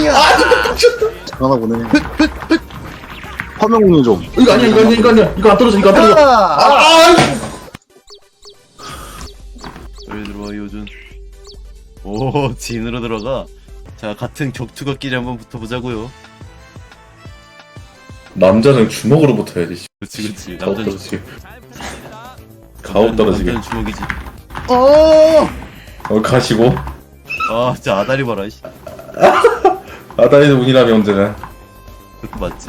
새끼야. 장난하고 보네. 화면 공유 좀. 이거 아니야 이거 아니야 이거 안 떨어져 이거 안 떨어져. 여기 들어와 이호준. 오 진으로 들어가. 자 같은 격투각끼리 한번 붙어보자고요. 남자는 주먹으로 붙어야지. 그렇지 가오 남자는 떨어지게. 가오 떨어지게. 남자는 주먹이지. 가시고. 아 진짜 아다리 봐라. 씨. 아다리도 운이라며 언제나. 그것도 맞지.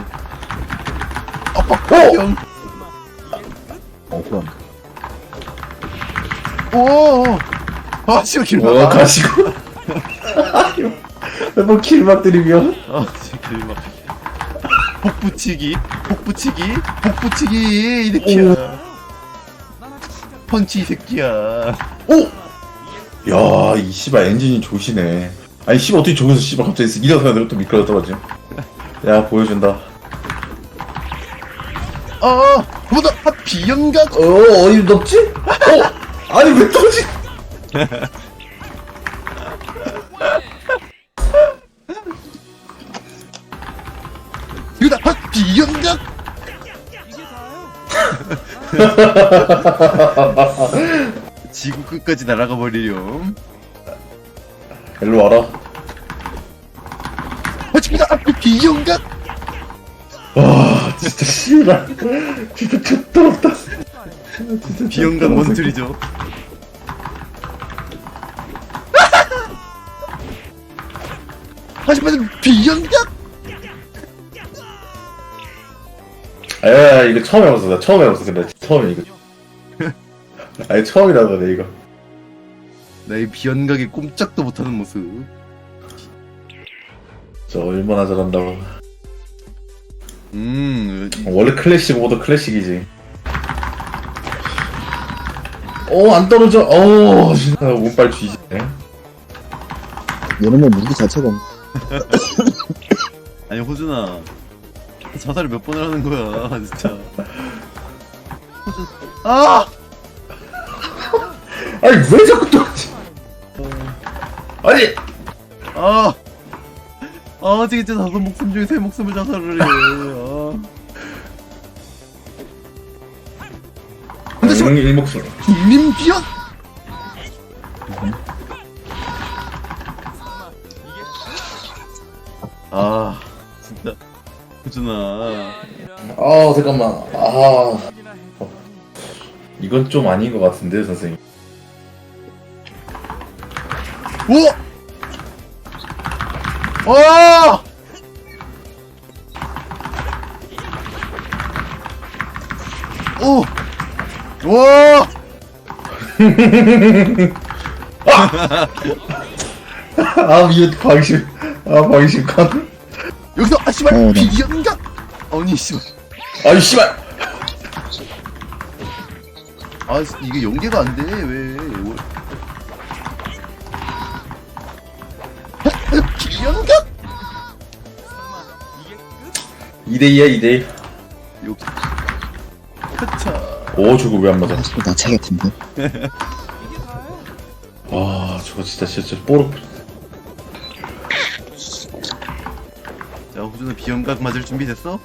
그럼. 오. 아 씨발 길막. 가시고. 뭐 길막 들이며. 아 진짜 길막. 복붙이기 이 새끼야. 펀치 이 새끼야. 야, 이 씨발 엔진이 조시네. 아니 씨발 어떻게 저기서 씨발 갑자기 일어서는데 또 미끄러 떨어져. 야 보여준다. 뭐다 비연각. 어디 높지? 아니 왜 떨어지? 이거다 비연각. 지구 끝까지 날아가 버리렴. 일로 와라. 지금이다 비연각. 와 진짜 씨발 진짜 좆더럽다. 비연각 원툴이죠. 하지만 비연각. 야 이거 처음 해봤어. 나 처음 해봤어. 근데 처음에 이거. 아니 처음이라 그래 이거. 나의 비연각에 꼼짝도 못하는 모습. 저 얼마나 잘한다고. 원래 클래식 모드 클래식이지. 안 떨어져. 진짜 운빨 쥐지네. 얘는 무기 자체가. 아니 호준아 자살을 몇 번을 하는 거야 진짜. 호준 아니 왜 자꾸 떨어지? 아니. 진짜 5목숨 중에 3목숨을 자살을 해. 근데 지금 일목숨. 국민비연. 진짜 호준아. 잠깐만. 이건 좀 아닌 것 같은데 선생님. 이거 방심. 방심감. 여기서 씨발 네. 비연각. 아니 씨발. 아니 씨발. 이게 연계가 안 돼. 왜? 비연각. 2대2야 2대2. 여기. 하차. 저거 왜 안 맞아? 나 차겠던데. 저거 진짜 뽀록. 자 호준아 비연각 맞을 준비 됐어?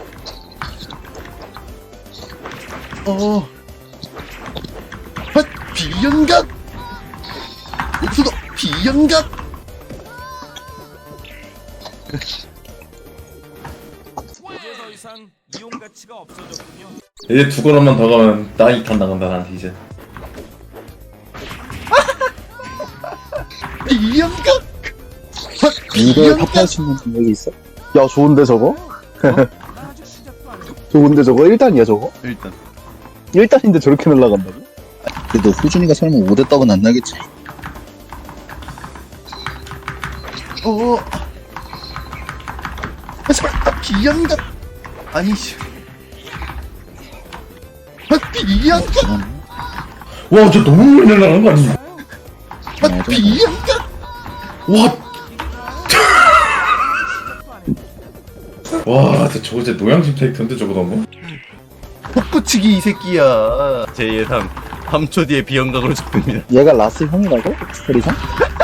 비연각. 여기서도 비연각. 더 이상 이용 가치가 없어졌군요. 이제 2걸음만 더 가면 나이 탄 나간다 나한테 이제. 비연각. 이걸 탑할 수 있는 능력이 있어? 야, 좋은데 저거? 좋은데 저거? 1단이야 저거? 일단 1단인데 저렇게 날아간다고? 그래도 후준이가 설마 5대 떡은 안 나겠지? 제발 비연각. 아니 씨. 비연각. 와, 저 너무 멀리 날아가는 거 아니야? 비연각. 와, 저거 진짜 노양심 캐릭터인데 저거 너무. 폭붙이기 이 새끼야. 제 예상 3초 뒤에 비연각으로 죽습니다. 얘가 라스 형이라고? 스토리상?